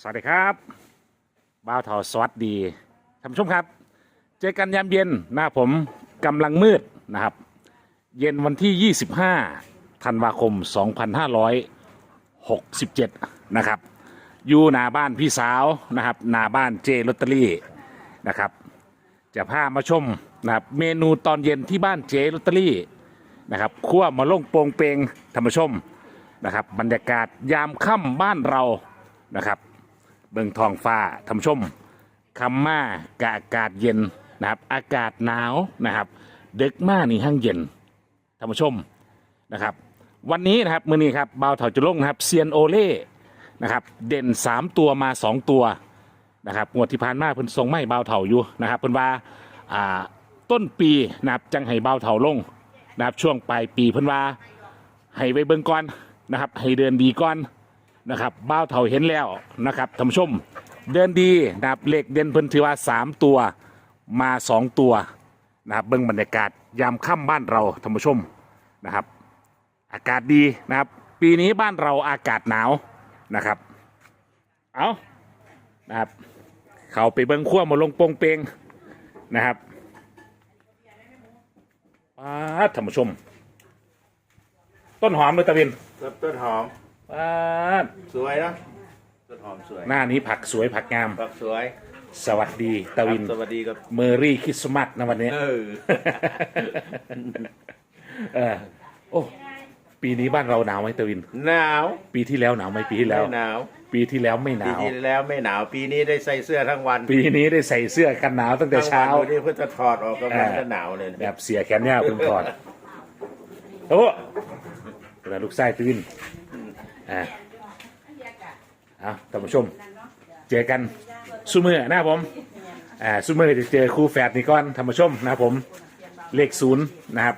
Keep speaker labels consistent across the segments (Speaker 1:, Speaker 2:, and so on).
Speaker 1: สวัสดีครับบ่าวเถาสวัสดีท่านผู้ชมครับเจอกันยามเย็นนะผมกำลังมืดนะครับเย็นวันที่ 25 ธันวาคม 2567 นะครับอยู่หน้าบ้านพี่สาวนะครับหน้าบ้านเจลอตเตอรี่นะครับจะพามาชมนะครับเมนูตอนเย็นที่บ้านเจลอตเตอรี่นะครับคั่วมาล่งโปงเปงท่านผู้ชมนะครับบรรยากาศยามค่ำบ้านเรานะครับเบิ่งท้องฟ้าท่านผู้ชมคำมากะอากาศเย็นนะครับอากาศหนาวนะครับดึกมานี่ห้างเย็นท่านผู้ชมนะครับวันนี้นะครับมื้อนี้ครับบ่าวเถาจะลงนะครับเซียนโอเล่นะครับเด่น3ตัวมา2ตัวนะครับงวดที่ผ่านมาเพิ่นทรงไม่บ่าวเถาอยู่นะครับเพิ่นว่าต้นปีนะครับจังให้บ่าวเถาลงนะครับช่วงปลายปีเพิ่นว่าให้ไว้เบิ่งก่อนนะครับให้เดินดีก่อนนะครับบ่าวเถาเห็นแล้วนะครับท่านผู้ชมเดินดีนะครับเลขเด่นเพิ่นถือว่า3ตัวมา2ตัวนะครับเบิ่งบรรยากาศยามค่ำบ้านเราท่านผู้ชมนะครับอากาศดีนะครับปีนี้บ้านเราอากาศหนาวนะครับเอานะครับเขาไปเบิ่งขั้วมาลงโปงเปงนะครับท่านผู้ชมต้นหอมเลยตะวิน
Speaker 2: ต้นหอม
Speaker 1: ด
Speaker 2: สวยนะต้นหอมสวย
Speaker 1: หน้านี้ผักสวยผักงาม
Speaker 2: ผักสวย
Speaker 1: สวัสดีตะวิน
Speaker 2: สวัสดีครับ
Speaker 1: เมอรี่คริสต์มาสนะวันนี้โอ้ปีนี้บ้านเราหนาวไหมตะวิน
Speaker 2: หนาว
Speaker 1: ปีที่แล้วหนาวไหมปีที่แล้ว
Speaker 2: หนาว
Speaker 1: ปีที่แล้วไม่หนาว
Speaker 2: ปีที่แล้วไม่หนาวปีนี้ได้ใส่เสื้อทั้งวัน
Speaker 1: ปีนี้ได้ใส่เสื้อกันหนาวตั้งแต่เช้า
Speaker 2: วันนี้เพื่อจะถอดออกก็มันจะหนาวเลย
Speaker 1: แบบเสียแขนยาวเพิ่งถอดโอ้แล้วลูกไส้ตะวินท่านผู้ชมเจอกันซูเมอร์นะผมซูเมอร์จะเจอคู่แฝดนี่ก่อนท่านผู้ชมนะผมเลข0นะครับ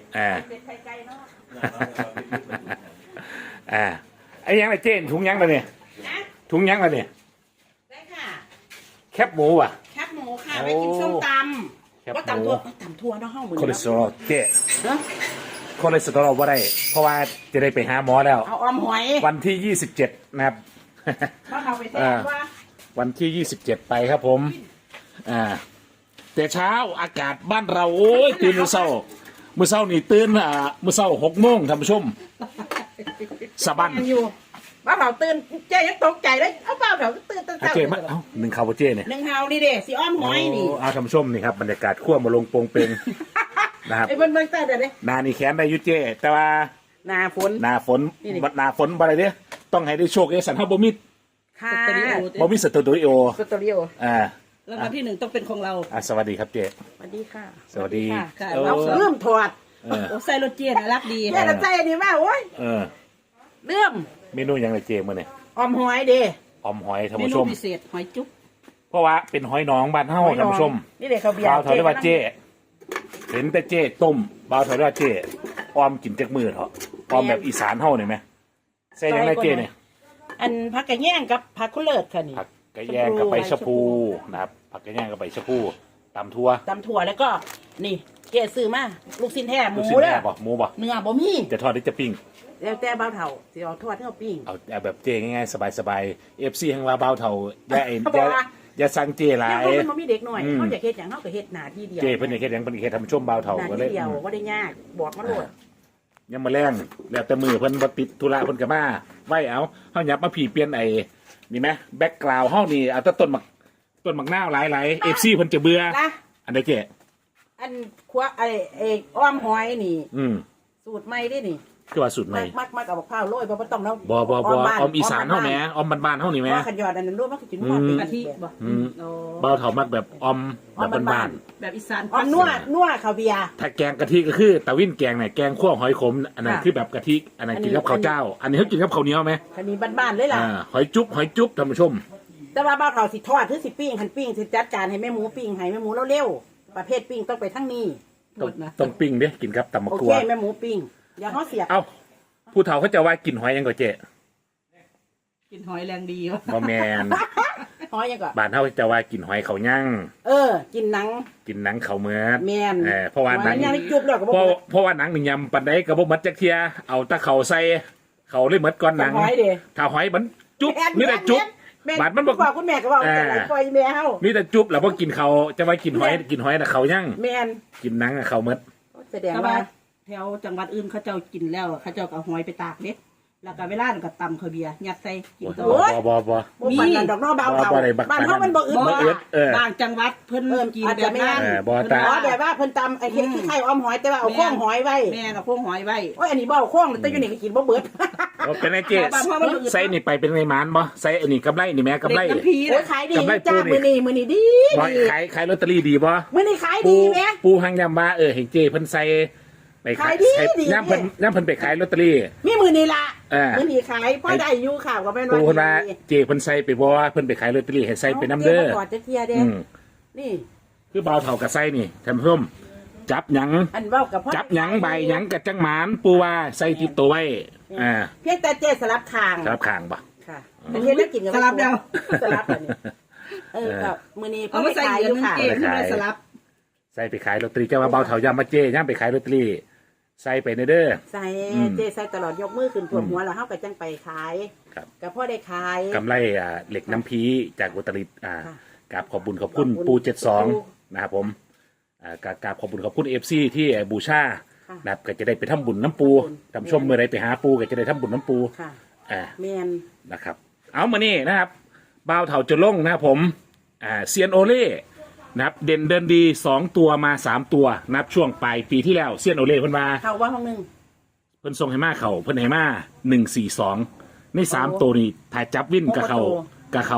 Speaker 1: ไอ้ยังไอ้เจนถุงยังมาเนี่ยถุงยังมาเนี่ย
Speaker 3: ได้ค่ะ
Speaker 1: แคบหมูอ่ะ
Speaker 3: แคบหมูค่ะไปกินส้มตำว่าตำทั่วน้องห้องมือ
Speaker 1: คอเลสเตอรอลเจ๊คอเลสเตอรอลว่าได้เพราะว่าจะได้ไปหาหมอแล้ว
Speaker 3: เอาออมหอย
Speaker 1: วันที่27นะครับ
Speaker 3: เอาไปแทนว่า
Speaker 1: วันที่27ไปครับผมแต่เช้าอากาศบ้านเราโอ้ยตื่นมื้อเช้านี่ตื่นมื้อเช้า6 โมงท่านผู้ชมสะบั้น
Speaker 3: อยู่บ้าเผาตื่นเจ๊ยังตกใจเลยเอาเปล่าเผาตื่นตั้งแต่
Speaker 1: เจ๊มาเอ้าหนึ่งข่าวเจ๊เนี่ย
Speaker 3: หนึ่งเฮานี่เด้สีอ้อมหอยนี่
Speaker 1: เอาท่านผู้ชมนี่ครับบรรยากาศขั้วมาลงโปงเปงนะครับ
Speaker 3: ไอ้เบิ้ลแต่เดี๋ยวนี้
Speaker 1: นานี่แขนได้ยุเจ๊แต่ว่า
Speaker 3: นาฝน
Speaker 1: บ่ได้เด้ต้องให้ได้โชคสันฮับบ่มี
Speaker 3: ค่ะ
Speaker 1: บ่มีสตูดิโอ
Speaker 3: แล้ววันที่1ต้องเป็นของเรา
Speaker 1: สวัสดีครับเจ๊
Speaker 3: สวัสดีค่ะ
Speaker 1: สวัสดี
Speaker 3: เราเริ่มถอด
Speaker 4: ใส่รถเจี๊ยบรักดี
Speaker 3: แค่ละใจนี่ว่าโอ้ยเริ่ม
Speaker 1: เมนูยังไรเจ๊มื้อนี่
Speaker 3: ออมหอยเด้
Speaker 1: ออมหอยท่านผู้ชม
Speaker 4: พิเศษหอยจุ๊บ
Speaker 1: เพราะว่าเป็นหอยน้องบ้านเฮาท่านผู้ชม
Speaker 3: นี่เด็กเขาเบียร์
Speaker 1: บ่าวเถาเรียกว่าเจ๊เห็นแต่เจ๊ต้มบ่าวเถาเรียกว่าเจ๊ออมกินจักมือเถอะออมแบบอีสานเฮานี่มั้ยใส่ยังไงเจ๊เนี่ย
Speaker 3: อันผักกระแยงกับผักคุเลิศค่ะนี่
Speaker 1: ผักกระแยงกับใบชะพูนะครับผักกระแยงกับใบชะพูตำทั่ว
Speaker 3: แล้วก็นี่เจ๊ซื้อมาลูกชิ้นแท้หมูเด้อ
Speaker 1: หมูบ่
Speaker 3: เนื้อบ่มี
Speaker 1: จะทอดหรือจะปิ้ง
Speaker 3: แล้วแต่บ่าวเฒ่าสิเอาทอดให้เอาปิ้ง
Speaker 1: เอาแบบเจ๊ง่ายๆสบายๆ FC ของเราบ่าวเฒ่าอย่าสั่งเจ๊หลาย
Speaker 3: มันบ่มีเด็กหน่อยเฮาอยากเฮ็ดหยังเฮาก็เฮ็ดหน้าที่เดียว
Speaker 1: เจ๊เพิ่นอยากเฮ็ดหยังเพิ่นเฮ็ดทำช่วงบ่าวเฒ่า
Speaker 3: ก็เลยเดียวบ่ได้ยากบอกมาโลด
Speaker 1: ยังมาแรงแล้วแต่มือเพิ่นบ่ติดธุระเพิ่นก็มาไว้เอาเฮาหยับมาผีเปลี่ยนไอ้นี่มั้ยแบ็คกราวด์เฮานี่เอาแต่ต้นมักนาวหลายๆ FC เพิ่นจะเบื่ออันใดเจ๊
Speaker 3: อันคั่วไอ้อ้อมหอยนี่สูตรใหม่ดินี่
Speaker 1: คือว่าสูตรใหม่
Speaker 3: มักเอาบักพร้าวโรยบ่ต้องเนาะ
Speaker 1: บ่ออมอีสานเฮาแหมออมบ้านๆเฮานี่แหม
Speaker 3: ขันยอดอันนั้นโรยมันสินัวเป็นกะทิบ่
Speaker 1: บ่าวเฒ่ามักแบบออมแบบบ้าน
Speaker 4: ๆแบบอีสาน
Speaker 3: ออมนัวข้าวเบียร์
Speaker 1: ถ้าแกงกะทิก็คือตะวินแกงเนี่ยแกงคั่วหอยขมอันนั้นคือแบบกะทิอันนั้นกินกับข้าวเจ้าอันนี้เฮากินกับข้าวเหนียวมั้ย
Speaker 3: อันนี้บ้านๆเลยล่ะ
Speaker 1: หอยจุ๊บท่านผู้ชม
Speaker 3: แต่ว่าบ่าวเฒ่าสิทอดหรือสิปิ้งคันปิ้งสิจัดการให้แม่หมูปิ้งให้แม่หมูเร็วๆประเภทปิ้งต้องไปทั้งนี้
Speaker 1: ต้องปิ้งเด้กินครับตำมะกรูด
Speaker 3: โอเคแม่หมูปิ้งอย่าเฮาเสีย
Speaker 1: เอ้าผู้เฒ่าเขาจะว่ากินหอยยังก็เจ๊
Speaker 4: กินหอยแรงดี
Speaker 1: บ่แม่น
Speaker 3: หอยยังก็
Speaker 1: บ้านเฮาจะว่ากินหอยเขาย่าง
Speaker 3: กินหนัง
Speaker 1: เขาเหมือด
Speaker 3: แม่น
Speaker 1: เพราะว่าหนังเพราะว่าหนังนี่ยำปานใดก็บ่หมดจักเที่ยเอาตะเขาใส่เขาเลยหมดก่อนหนังถ้าหอยมันจุ๊บนี่แหละจุ๊บ
Speaker 3: แม่
Speaker 1: บาดมันบอก
Speaker 3: บอกคุณแม่ก็บอกแต่ละปล่อยแม่เฮา
Speaker 1: มีแต่จุ๊บแล้วพอกินเขาจะไว้กินหอยนะเขายัง
Speaker 3: แม่น
Speaker 1: กินหนังอะเขาเมด
Speaker 3: แสดง
Speaker 4: แต่
Speaker 3: ว่า
Speaker 4: ว่าแถวจังหวัดอื่นเขาเจ้ากินแล้วเขาเจ้าก็เอาหอยไปตากเด็กแล้วก็เวลาก็ตำข้าวเบียร์ยัดใส่กินต่อ
Speaker 1: บ่
Speaker 3: บ่ปานนั้นดอกน้อเบาเฒ่า
Speaker 1: บ่ได้บัก
Speaker 3: บ้านเฮามันบ่อึด
Speaker 1: บ่
Speaker 3: บ่
Speaker 1: อึด
Speaker 4: บางจังหวัดเพิ่นกิน
Speaker 3: อาจ
Speaker 4: แบ
Speaker 3: จะ
Speaker 4: บ
Speaker 3: ไม่
Speaker 4: นั้น
Speaker 1: บ่ตา
Speaker 3: อ๋อแบบว่าเพิ่นตำไอ้เฮ็ดขี้ไข่อ้อมหอยแต่ว่าเอาโค้งหอยไว้
Speaker 4: แม่เอาพวกหอยไว้
Speaker 3: โอ้ยอันนี้บ่เอาโค้งแต่อยู่นี่ก็กินบ่เบิด
Speaker 1: เป็นไงเจ๊ไส้นี่ไปเป็นไงหมานบ่ไส้อันนี้กำไรนี่แม่กำไร
Speaker 4: เด็กน้ำพี
Speaker 3: โอ้ย
Speaker 4: นะ
Speaker 3: ขายดี
Speaker 1: กำไร
Speaker 3: จ้า
Speaker 1: ปูนี่
Speaker 3: มื้อนี้ดี
Speaker 1: บ่
Speaker 3: ดี
Speaker 1: ขายลอตเตอรี่ดีบ่
Speaker 3: มื้อนี้ขาย
Speaker 1: ปู
Speaker 3: ดีแม่
Speaker 1: ปูหังยำว่าเห็นเจ๊เพิ่นใส่ไปขาย
Speaker 3: ขายดี
Speaker 1: ย่ำเพิ่นไปขายลอตเตอรี่
Speaker 3: มีมื้อนี้ล่ะ
Speaker 1: อ่า
Speaker 3: มื้อนี้ขายพอได้อยู่ข่าวก็แม่น
Speaker 1: ปู
Speaker 3: ว่า
Speaker 1: เพิ่นว่าเจ๊เพิ่นใส่ไปบ่เพิ่นไปขายลอตเตอรี่ให้ใส่ไปน้ำเด้อ
Speaker 3: ก่อนจะเที่ยเด้
Speaker 1: อืม
Speaker 3: นี่
Speaker 1: คือบ่าวเฒ่ากับไส้นี่ท่านผู้ชมจับหยัง
Speaker 3: อันเว้ากับพ่อ
Speaker 1: จับหยังใบหยังกับจังหมานปูว่าใส่ติดตัวไว้
Speaker 3: เพียงแต่เจ๊สลับทาง
Speaker 1: ครับข้างบ่
Speaker 3: ค่ะแต่เฮ็ดแล้วกินกับ
Speaker 4: สลับเดียว
Speaker 3: สลับอันนี้กับมื้อนี้
Speaker 4: เอา
Speaker 3: เพิ่น
Speaker 4: มา
Speaker 3: ไป
Speaker 4: ใส่
Speaker 3: ขาย
Speaker 4: เงิ
Speaker 3: อน ยู่ค่ะ
Speaker 4: เก็บเพื่อสลับ
Speaker 1: ใส่ไปขายลอตเตอรี่เจ้าว่าเบาเถายามมาเจ้ย่ามไปขายลอตเตอรี่ใส่ไปในเด้อ
Speaker 3: ใส่
Speaker 1: อืม
Speaker 3: เจ๊ใส่ตลอดยกมือขึ้นท่วมหัวแล้วเฮาก็จังไปขาย
Speaker 1: ครับ
Speaker 3: ก็พอได้ขาย
Speaker 1: กำไรเหล็กน้ำพีจากอุตรดิตถ์
Speaker 3: ค่ะ
Speaker 1: กราบขอบบุญขอบคุณ
Speaker 3: ขอบคุณ
Speaker 1: ปู
Speaker 3: ปู
Speaker 1: 72นะครับผมกราบขอบบุญขอบคุณ FC ที่บูชา
Speaker 3: ค่ะ
Speaker 1: นะครับก็จะได้ไปทำบุญน้ำปู
Speaker 3: ขอบคุณ
Speaker 1: ท่านผู้ชมเมื่อไรไปหาปูก็จะได้ทำบุญน้ำปู
Speaker 3: ค่ะ
Speaker 1: อ่า
Speaker 3: แม่น
Speaker 1: นะครับเอามานี่นะครับบ่าวเถาจะลงนะครับผมเซียนโอเล่นะครับเด่นเดินดี2ตัวมา3ตัวนับช่วงปลายปีที่แล้วเซียนโอเล่เพิ่นมา
Speaker 3: เข้าว่าห้องนึง
Speaker 1: เพิ่นส่งให้มาเขาเพิ่นให้มา142ใน3ตัวนี้ถ่ายจับวินกับเขา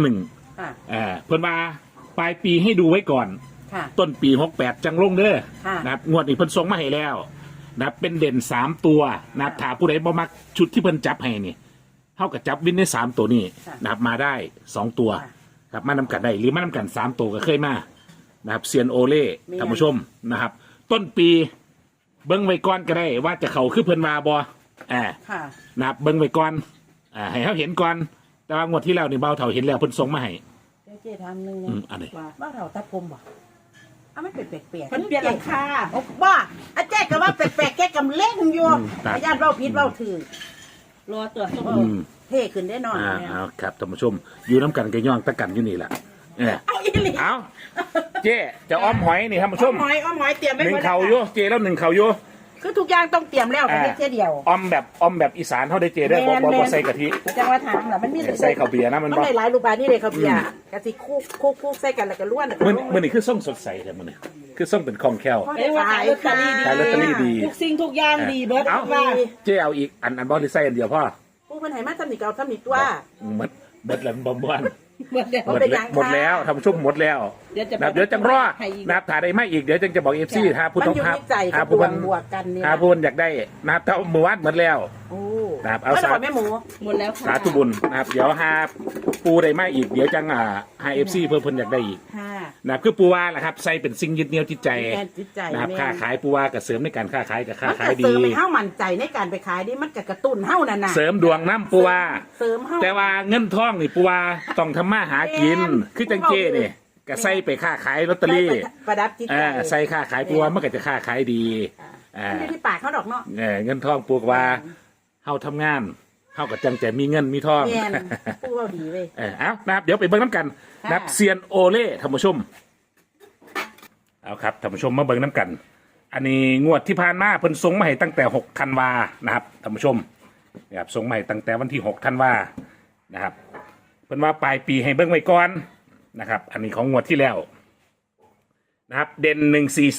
Speaker 1: 21
Speaker 3: ค่ะ
Speaker 1: เพิ่นมาปลายปีให้ดูไว้ก่อน
Speaker 3: ค่ะ
Speaker 1: ต้นปี68จังลงเด้อ
Speaker 3: ค่ะ
Speaker 1: นะครับงวดนี้เพิ่นส่งมาให้แล้วนะครับเป็นเด่น3ตัวนะครับถ้าผู้ใดบ่มักชุดที่เพิ่นจับให้นี่เท่ากับจับวินได้3ตัวนี้
Speaker 3: ค่ะ
Speaker 1: นะครับมาได้2ตัว
Speaker 3: ค่ะ
Speaker 1: ครับมานำกันได้หรือมานำกัน3ตัวก็เคยมานะครับเซียนโอเล่
Speaker 3: แม่น
Speaker 1: ท่านผู้ชมนะครับ ต้นปีเบิ้งไว้ก่อนก็ได้ว่าจะเข้าคือเพิ่นมาบ่
Speaker 3: ค่ะ
Speaker 1: นะครับเบิ้งไว้ก่อนให้เขาเห็นก่อนแต่ว่างวดที่แล้วนี่เบาเท่าเห็นแล้วเพิ่นส่งมาให้
Speaker 3: เจ๊ทำนึง
Speaker 1: อันนี้
Speaker 3: ว่าบ้าเฒ่าตัดผมบ่เอามันเป็นแปลกๆ
Speaker 4: เพิ่นเปลี่ยนราคา
Speaker 3: บ้าอาเจ๊ก็ว่าแปลกๆแกกำเล่งอยู่ญาติเว้าผิดเว้าถูก
Speaker 4: รอตัวส้ม
Speaker 1: อืม
Speaker 3: เท่ขึ้นได้หน่อย
Speaker 1: เอาครับท่านผู้ชมอยู่น้ำกันก็ย่องตะกันอยู่นี่แหละเออ
Speaker 3: เอาอีหลี
Speaker 1: เอาเจ๊จะอ้อมหอยนี่ท่านผู้ชม
Speaker 3: อ้อมหอยเตรียมไว้
Speaker 1: หนึ่ง
Speaker 3: หมด
Speaker 1: เข่าอยู่เจ๊แล้วหนึ่งเข่าอยู่
Speaker 3: คือทุกอย่างต้องเตรียมแล้วกันเจ๊เดียว
Speaker 1: อ้อมแบบอีสานเขาได้เจ๊ได้อบ่ใส่กะทิ
Speaker 3: จังว่าถามล่ะมันมี
Speaker 1: ใส่ข้าวเบียร์นะมัน
Speaker 3: มัน
Speaker 1: บ่
Speaker 3: ได้หลายรูปแบบนี่เลยข้าวเบียร์กะสิคุกใส่กันแล้วก็ล้วนแล้วก็
Speaker 1: มันนี่คือส่งสดใสแต่มันนี่คือส่งเป็นคล่องแคล่ว
Speaker 3: พอ
Speaker 4: เรี
Speaker 3: ได้
Speaker 4: ยกว่า
Speaker 3: ขาย
Speaker 4: ขายลอตเตอรี่ดี
Speaker 1: ขายลอตเตอรี่ดี
Speaker 4: ทุกสิ่งทุกอย่างดีเบิร์ด
Speaker 1: เอา
Speaker 4: ว่า
Speaker 1: เจ๊เอาอีกอันบอลที่ใส่อันเดียวพ่อ
Speaker 3: ผู้เพิ่นให้มาทำนี่ก็เอาทำนี่ตัว
Speaker 1: หมดแล้วบ่ม่วน
Speaker 4: เบิร์ดเดี๋ยว
Speaker 3: เอาไปยัง
Speaker 1: หมดแล้วท่านผู้ชมหมดแล้ว
Speaker 4: เดี๋ยวจะ
Speaker 1: นะครับเดี๋ยวจังรอ
Speaker 4: ให้อีก
Speaker 1: นะครับถ่ายได้ไม่อีกเดี๋ยวจังจะบอกเอฟซีถ้าผู้
Speaker 3: มัน
Speaker 1: ต้อง
Speaker 3: อยู่
Speaker 1: หา
Speaker 3: ในใจ
Speaker 1: หา
Speaker 3: กับ
Speaker 1: ผู้
Speaker 3: บว
Speaker 1: มั
Speaker 3: ก
Speaker 1: น
Speaker 3: บวกกันนี่
Speaker 1: หาผู้มันอยากได้นะครับแต่มือวัดหมดแล้ว
Speaker 3: โอ้
Speaker 1: นะครับเอา
Speaker 3: เอา
Speaker 1: สา
Speaker 3: สาแม่หมู
Speaker 4: หมดแล้วค่ะ
Speaker 1: สาธุบุญนะครับเดี๋ยวหาปูได้ไม่อีกเดี๋ยวจังหาเอฟซีเพิ่มเพิ่นอยากได้อีก
Speaker 3: ค่ะ
Speaker 1: นะครับคือปูว่าแหละครับใส่เป็นสิ่งยึดเหนี่ยวจิตใจ
Speaker 3: แม่จิตใจ
Speaker 1: นะครับ
Speaker 3: แม่
Speaker 1: ค้าขายปูว่ากับเสริมในการค้าขายกับค้า
Speaker 3: มัน
Speaker 1: ขา
Speaker 3: ก็
Speaker 1: ยดี
Speaker 3: เสริมให้เฮามั่นใจในการไปขายนี่มันก็กระตุ้นเฮานั่นน่ะ
Speaker 1: เสริมดวงน้ำปูว่า
Speaker 3: เสริมเฮา
Speaker 1: แต่ว่าเงินทองนี่ปูว่าต้องทำมาหากิน
Speaker 3: แม่น
Speaker 1: คือจังเจ้นี่ก็ใส่ไปค้าขายลอตเตอรี่
Speaker 3: ประดับจิตใจ
Speaker 1: ใส่ค้าขายปูว่ามันก็จะค้าขายดี
Speaker 3: มันอยู่ที่ปากเขาดอกเนาะ
Speaker 1: เงินทองปูกว่าเฮาทำงานเฮากับจังจะมีเงินมีทอง
Speaker 3: แม่นผู้เว้าดีเว้ย
Speaker 1: เอานะครับเดี๋ยวไปเบิ่งน้ำกันนะครับ
Speaker 3: ค่ะ
Speaker 1: เซียนโอเล่ท่านผู้ชมเอาครับท่านผู้ชมมาเบิ่งน้ำกัน อันนี้งวดที่ผ่านมาเพิ่นส่งมาให้ตั้งแต่6ธันวานะครับท่านผู้ชมนะครับส่งมาให้ตั้งแต่วันที่6ธันวานะครับเพิ่นว่าปลายปีให้เบิ่งไว้ก่อนนะครับ อันนี้ของงวดที่แล้วนะครับเด่น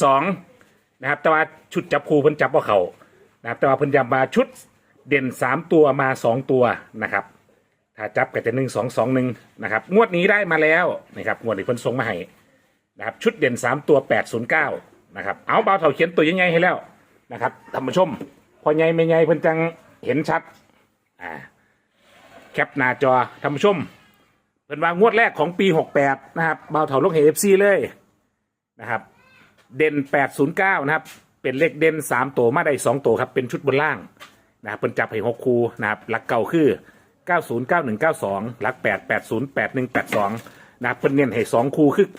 Speaker 1: 142นะครับแต่ว่าชุดจับคู่เพิ่นจับว่าเขานะครับแต่ว่าเพิ่นย้ำมาชุดเด่น3ตัวมา2ตัวนะครับ ถ้าจับก็จะ1-2-2-1นะครับงวดนี้ได้มาแล้วนะครับงวดนี้เพิ่นส่งมาให้นะครับชุดเด่น3ตัว809นะครับเอาเบาเถาเขียนตัวยังไงให้แล้วนะครับท่านผู้ชมพอใหญ่ไม่ใหญ่เพิ่นจังเห็นชัดแคปหน้าจอท่านผู้ชมเพิ่นว่างวดแรกของปี68นะครับเบาเถาลงเห็น FC เลยนะครับเด่น809นะครับเป็นเลขเด่น3ตัวมาได้2ตัวครับเป็นชุดบนล่างนะครับเพิ่นจับให้6คู่นะครับหลักเก่าคือ909192หลัก8 80 81 82นะครับเพิ่นเน้นให้2คู่คือ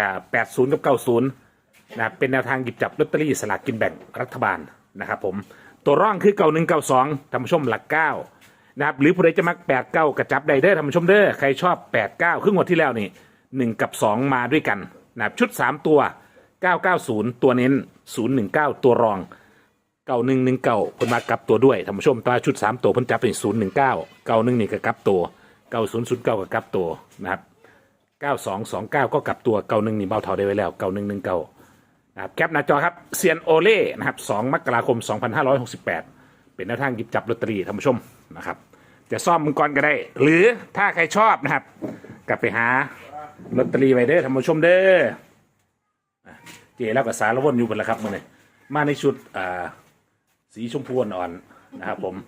Speaker 1: 80กับ90นะครับเป็นแนวทางหยิบจับลอตเตอรี่สลากกินแบ่งรัฐบาลนะครับผมตัวร่องคือ9192ท่านผู้ชมหลัก9 นะครับหรือผู้ใดจะมัก8-9กระจับได้เด้อท่านผู้ชมเด้อใครชอบ8-9ครึ่งงวดที่แล้วนี่1กับ2มาด้วยกันนะครับชุด3ตัว990ตัวเน้น019ตัวรอง9119เพิ่นมากลับตัวด้วยท่านผู้ชมตาชุด3ตัวเพิ่นจับเป็น019 91นี่ก็กลับตัว9009ก็กลับตัวนะครับ9229ก็กลับตัว91นี่เบาเท่าได้ไว้แล้ว9119นะครับแคปหน้าจอครับเซียนโอเล่นะครับ2มกราคม2568เป็นแนวทางหยิบจับลอตเตอรี่ท่านผู้ชมนะครับจะซ่อมมังกรก็ได้หรือถ้าใครชอบนะครับกลับไปหาลอตเตอรี่ไว้เด้อท่านผู้ชมเด้อเจแล้วก็สารวนอยู่บนละครับมื้อนี้มาในชุดสีชมพูอ่อนๆนะครับผม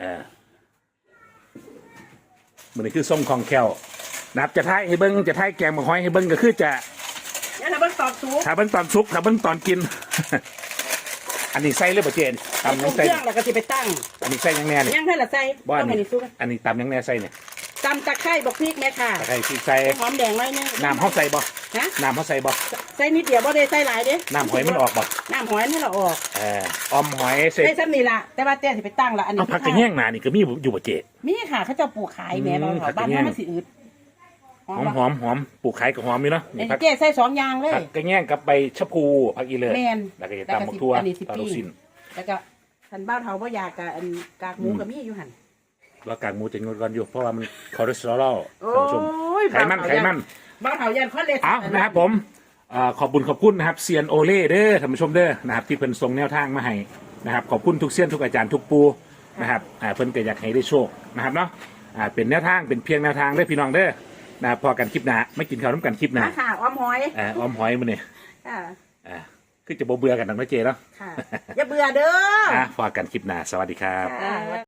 Speaker 1: มื้อนี้คือส้มคองแคลนะครับจะท้ายให้เบิ้งจะท้ายแกงบักหอยให้เบิ้งก็คือจะ
Speaker 3: เนี่ยถ้าเบิ่งตอบสูง
Speaker 1: ถ้าเบิ้งตอนซุกถ้าเบิ้งตอนกิน อันนี้ใส่เลยป่ะเจน
Speaker 3: ใส่
Speaker 1: ตำ
Speaker 3: เค
Speaker 1: ยังใส่
Speaker 3: รื่องแล้วก็สิไปตั้ง
Speaker 1: อันนี้ใส่ยังแน่เนี่ย
Speaker 3: ยังให้ละใส่
Speaker 1: บ้าน
Speaker 3: ต้องให้
Speaker 1: นี้
Speaker 3: นี่ซุก
Speaker 1: อันนี้ตำยังแน่ใส่เนี่ย
Speaker 3: ตำตะไคร้บอกพริกแม่ค่ะ
Speaker 1: ตะไคร้ที่ใส่
Speaker 3: หอมแดงหน่อยนึง
Speaker 1: น้ำเขาใส่บ่
Speaker 3: ฮะ
Speaker 1: น้ำเขาใส่บ่
Speaker 3: ใส่นิดเดียวบ่ได้ใส่หลายเด้
Speaker 1: น้ำหอยมันออกบ่
Speaker 3: น้ำหอยนี่เราออก
Speaker 1: ออมหอยเสร็จ
Speaker 3: ได้ซ้ำนี่ล่ะแต่ว่าเจ๊สิไปตั้งละอันนี้
Speaker 1: เอาผักกระแยงหนานี่ก็มีอยู่บ่เจ
Speaker 3: มีค่ะเขาเจ้าปลูกขายแหม่เรา
Speaker 1: ผักก
Speaker 3: บ้า
Speaker 1: ระ
Speaker 3: น
Speaker 1: แยง
Speaker 3: เรามันสิอืด
Speaker 1: หอมหอมหอมปลูกขายกับหอมอยู่เนาะ
Speaker 3: ไอ้
Speaker 1: นี่ผัก
Speaker 3: เจ๊ใส่2อย่างเลย
Speaker 1: ผักกระแยงกับใบชะพูผักอีเลิศ
Speaker 3: แม่น
Speaker 1: แล้วก็จะตำบักทั่ว
Speaker 3: อันนี้สิ
Speaker 1: ปลาลูกชิ้น
Speaker 3: แล้วก็ทันบ้านเฮาบ่อยากกับอันกากหมูก็มีอยู่หั่น
Speaker 1: ว่ากากหมูจะงดก่อนอยู่เพราะว่ามันคอเลสเตอรอล
Speaker 3: โอ้
Speaker 1: ท่านผู้ชม
Speaker 3: ย
Speaker 1: ไขมันไขมัน
Speaker 3: บ้านเฮายันคอนเลส
Speaker 1: เอานะครับผมขอบคุณนะครับเซียนโอเล่เด้อท่านผู้ชมเด้อนะครับที่เพิ่นส่งแนวทางมาให้นะครับขอบคุณทุกเซียนทุกอาจารย์ทุกปูนะครับเพิ่นก็อยากให้ได้โชคนะครับเนาะเป็นแนวทางเป็นเพียงแนวทางเด้อพี่น้องเด้อนะครับพอกันคลิปหน้าไม่กินข้าวน้ำกันคลิปหน้า
Speaker 3: มาค่ะอ้อมหอย
Speaker 1: ออมหอยมื้อนี้
Speaker 3: ค่ะ
Speaker 1: คือจะบ่เบื่อกันนักนะเจเนาะ
Speaker 3: ค่ะ อย่าเบื่อเด้อ
Speaker 1: พอกันคลิปหน้าสวัสดีครับ
Speaker 3: ค่ะ